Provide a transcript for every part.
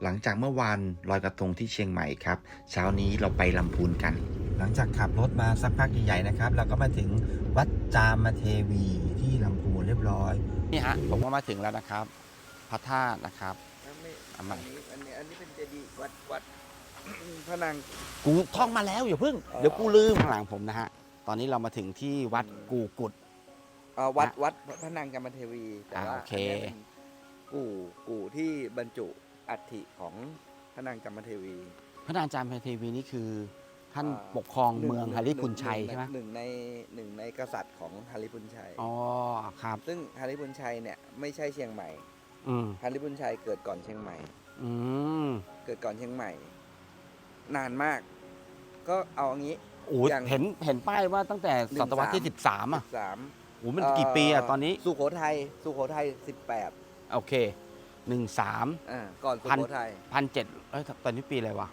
หลังจากเมื่อวานลอยกระทงที่เชียงใหม่ครับเช้านี้เราไปลำพูนกันหลังจากขับรถมาสักพักใหญ่ๆนะครับเราก็มาถึงวัดจามเทวีที่ลำพูนเรียบร้อยนี่ฮะผมก็มาถึงแล้วนะครับพระธาตุนะครับอันนี้เป็นเจดีย์วัดพระนางกูท่องมาแล้วอย่าเพิ่งเดี๋ยวกูลืมข้างหลังผมนะฮะตอนนี้เรามาถึงที่วัดกูกุดวัดพระนางจามเทวีแต่ว่าอันนี้เป็นกู่ที่บรรจุอัฐิของพระนางจามเทวีพระนางจามเทวีนี่คือท่านปกครองเมืองหริพุนชัยใช่ไหมหนึ่งในกษัตริย์ของหริพุนชัยอ๋อครับซึ่งหริพุนชัยเนี่ยไม่ใช่เชียงใหม่หริพุนชัยเกิดก่อนเชียงใหม่เกิดก่อนเชียงใหม่นานมากก็เอาอย่างนี้เห็นป้ายว่าตั้งแต่ศตวรรษที่13โอ้มันกี่ปีอะตอนนี้สุโขทัย18 โอเค13 ก่อนสุโขทัย 1700ตอนนี้ปีอะไรวะ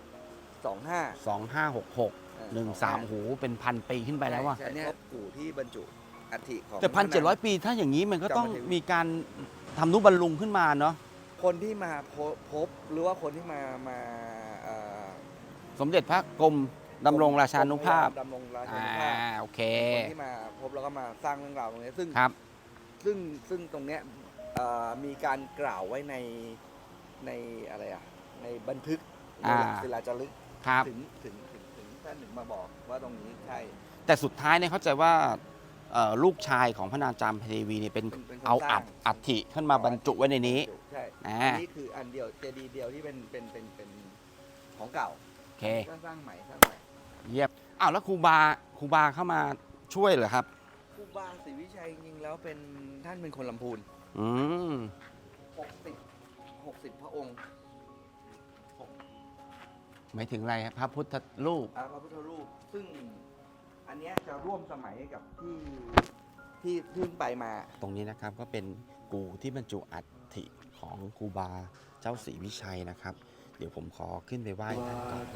2566 13โหเป็นพันปีขึ้นไปแล้วว่ะอันนี้กู่ที่บรรจุอัฐิของแต่1,700 ปีถ้าอย่างนี้มันก็ต้องมีการทำนุบำรุงขึ้นมาเนาะคนที่มาพบหรือว่าคนที่มาสมเด็จพระกรมดำรงราชานุภาพโอเคคนที่มาพบแล้วก็มาสร้างเรื่องราวตรงนี้ซึ่งตรงเนี้ยมีการกล่าวไว้ในอะไรในบันทึกศิลาจารึกถึงท่านหนึ่งมาบอกว่าตรงนี้ใช่แต่สุดท้ายเนี่ยเข้าใจว่าลูกชายของพระนางจามเทวีเนี่ยเป็นเอาอัฐิขึ้นมาบรรจุไว้ในนี้ใช่อันนี้คืออันเดียวเจดีย์เดียวที่เป็นของเก่าโอเคสร้างใหม่เยี่ยมแล้วครูบาเข้ามาช่วยเหรอครับครูบาศรีวิชัยจริงๆแล้วท่านเป็นคนลำพูน60พระองค์หมายถึงอะไรครับพระพุทธรูปพระพุทธรูปซึ่งอันนี้จะร่วมสมัยกับที่เพิ่งไปมาตรงนี้นะครับก็เป็นกู่ที่บรรจุอัฐิของครูบาเจ้าศรีวิชัยนะครับเดี๋ยวผมขอขึ้นไปไหว้ท่านก่อน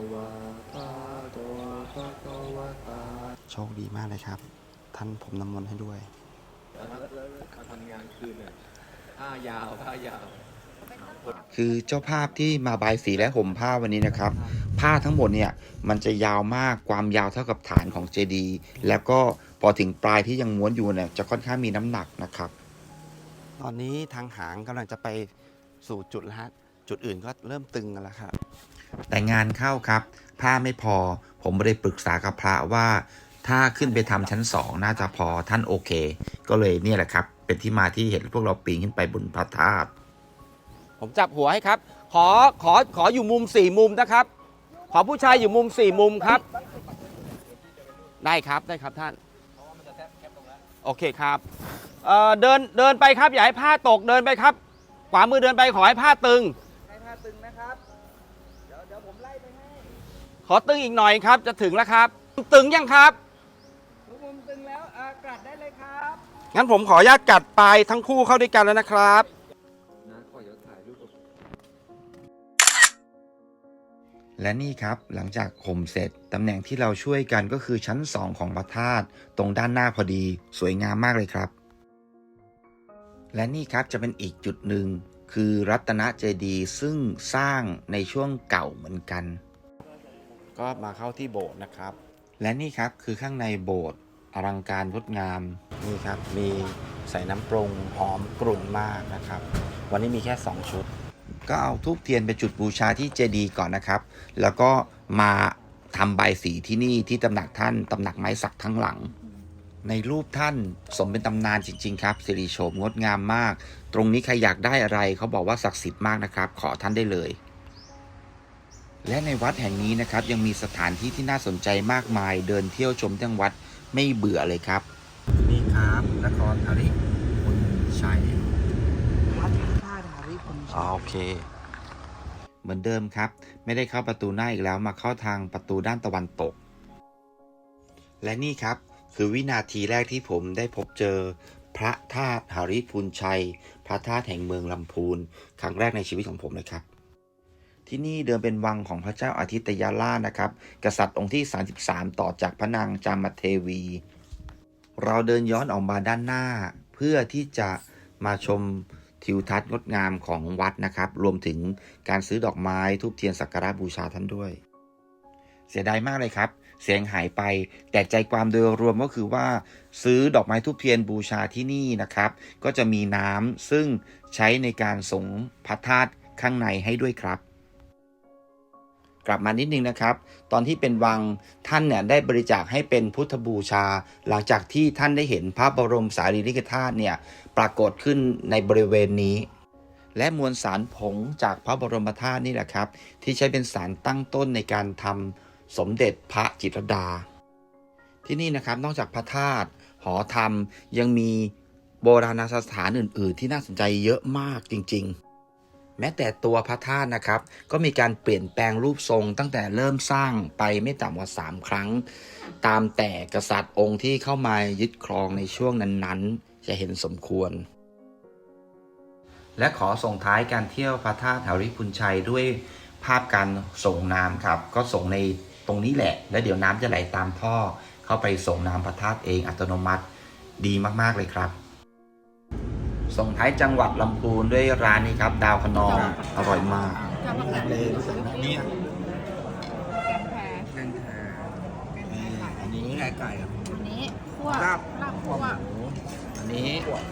โชคดีมากเลยครับท่านผมน้ำมนต์ให้ด้วยการทำงานคืนเนี่ยผ้ายาวคือเจ้าภาพที่มาบายสีและห่มผ้าวันนี้นะครับผ้าทั้งหมดเนี่ยมันจะยาวมากความยาวเท่ากับฐานของเจดีย์แล้วก็พอถึงปลายที่ยังม้วนอยู่เนี่ยจะค่อนข้างมีน้ำหนักนะครับตอนนี้ทางหางกำลังจะไปสู่จุดแล้วฮะจุดอื่นก็เริ่มตึงกันแล้วครับแต่งานเข้าครับผ้าไม่พอผมไม่ได้ปรึกษากับพระว่าถ้าขึ้นไปทำชั้น2น่าจะพอท่านโอเคก็เลยเนี่ยแหละครับเป็นที่มาที่เห็นพวกเราปีนขึ้นไปบนพระธาตุผมจับหัวให้ครับขออยู่มุม4มุมนะครับขอผู้ชายอยู่มุม4มุมครับได้ครับท่านโอเคครับเดินไปครับอย่าให้ผ้าตกเดินไปครับขวามือเดินไปขอให้ผ้าตึงนะครับเดี๋ยวผมไล่ไปให้ขอตึงอีกหน่อยครับจะถึงแล้วครับตึงยังครับมุมตึงแล้วกัดได้เลยครับงั้นผมขออนุญาตกัดปลายทั้งคู่เข้าด้วยกันแล้วนะครับและนี่ครับหลังจากห่มเสร็จตำแหน่งที่เราช่วยกันก็คือชั้น2ของพระธาตุตรงด้านหน้าพอดีสวยงามมากเลยครับและนี่ครับจะเป็นอีกจุดหนึ่งคือรัตนเจดีย์ซึ่งสร้างในช่วงเก่าเหมือนกันก็มาเข้าที่โบสถ์นะครับและนี่ครับคือข้างในโบสถ์อลังการงดงามนี่ครับมีใส่น้ำปรุงหอมกรุ่นมากนะครับวันนี้มีแค่2ชุดก็เอาธูปเทียนไปจุดบูชาที่เจดีย์ก่อนนะครับแล้วก็มาทำใบสีที่นี่ที่ตำหนักท่านตำหนักไม้สักทั้งหลังในรูปท่านสมเป็นตำนานจริงๆครับสิริโฉมงดงามมากตรงนี้ใครอยากได้อะไรเขาบอกว่าศักดิ์สิทธิ์มากนะครับขอท่านได้เลยและในวัดแห่งนี้นะครับยังมีสถานที่ที่น่าสนใจมากมายเดินเที่ยวชมทั้งวัดไม่เบื่อเลยครับนี่ครับนครหริพุนชัยวัดพระธาตุหริพุนชัยโอเคเหมือนเดิมครับไม่ได้เข้าประตูหน้าอีกแล้วมาเข้าทางประตูด้านตะวันตกและนี่ครับคือวินาทีแรกที่ผมได้พบเจอพระธาตุหริพุนชัยพระธาตุแห่งเมืองลำพูนครั้งแรกในชีวิตของผมเลยครับที่นี่เดิมเป็นวังของพระเจ้าอาทิตยราชนะครับกษัตริย์องค์ที่33ต่อจากพระนางจามเทวีเราเดินย้อนออกมาด้านหน้าเพื่อที่จะมาชมทิวทัศน์งดงามของวัดนะครับ รวมถึงการซื้อดอกไม้ธูปเทียนสักการะบูชาท่านด้วย เสียดายมากเลยครับเสียงหายไปแต่ใจความโดยรวมก็คือว่าซื้อดอกไม้ธูปเทียนบูชาที่นี่นะครับก็จะมีน้ำซึ่งใช้ในการสงพระธาตุข้างในให้ด้วยครับ กลับมานิดนึงนะครับตอนที่เป็นวังท่านเนี่ยได้บริจาคให้เป็นพุทธบูชาหลังจากที่ท่านได้เห็นพระบรมสารีริกธาตุเนี่ยปรากฏขึ้นในบริเวณนี้และมวลสารผงจากพระบรมธาตุนี่แหละครับที่ใช้เป็นสารตั้งต้นในการทำสมเด็จพระจิตรลดาที่นี่นะครับนอกจากพระธาตุหอธรรมยังมีโบราณสถานอื่นๆที่น่าสนใจเยอะมากจริงๆแม้แต่ตัวพระธาตุนะครับก็มีการเปลี่ยนแปลงรูปทรงตั้งแต่เริ่มสร้างไปไม่ต่ำกว่า3ครั้งตามแต่กษัตริย์องค์ที่เข้ามายึดครองในช่วงนั้นๆจะเห็นสมควรและขอส่งท้ายการเที่ยวพระธาตุหริพุนชัยด้วยภาพการส่งน้ำครับก็ส่งในตรงนี้แหละแล้วเดี๋ยวน้ำจะไหลตามท่อเข้าไปส่งน้ำพระธาตุเองอัตโนมัติดีมากๆเลยครับส่งท้ายจังหวัดลำพูนด้วยร้านนี้ครับดาวคะนองอร่อยมากนี่นี่แกงแคอันนี้ไก่อ่ะอันนี้คั่วลาบคั่วหมูอันนี้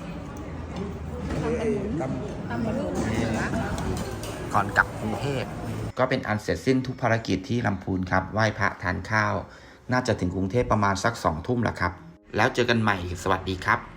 ตำตำหมูเหนือก่อนกลับกรุงเทพก็เป็นอันเสร็จสิ้นทุกภารกิจที่ลำพูนครับไหว้พระทานข้าวน่าจะถึงกรุงเทพประมาณสัก2 ทุ่มแล้วครับแล้วเจอกันใหม่สวัสดีครับ